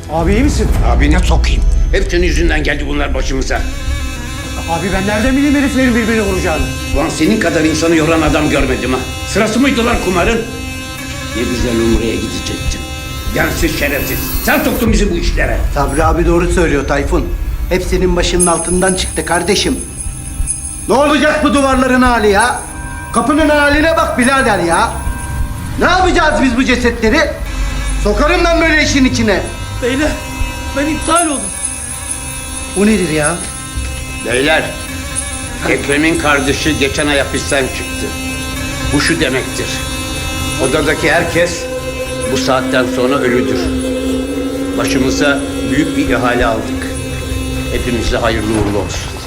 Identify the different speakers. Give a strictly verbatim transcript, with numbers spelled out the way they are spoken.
Speaker 1: Abi iyi misin?
Speaker 2: Abine sokayım. Hep senin yüzünden geldi bunlar başımıza.
Speaker 1: Abi ben nereden bileyim heriflerin birbirini vuracağını?
Speaker 2: Ulan senin kadar insanı yoran adam görmedim ha. Sırası mıydı lan kumarın? Ne güzel Umre'ye gidecektin. Gensiz şerefsiz. Sen soktun bizi bu işlere.
Speaker 3: Sabri abi doğru söylüyor Tayfun. Hep senin başının altından çıktı kardeşim. Ne olacak bu duvarların hali ya? Kapının haline bak birader ya. Ne yapacağız biz bu cesetleri? Sokarım ben böyle işin içine.
Speaker 4: Beyler, ben iptal oldum.
Speaker 3: Bu nedir ya?
Speaker 2: Beyler, Ekrem'in kardeşi geçen ay hapisten çıktı. Bu şu demektir. Odadaki herkes bu saatten sonra ölüdür. Başımıza büyük bir ihale aldık. Hepimize hayırlı uğurlu olsun.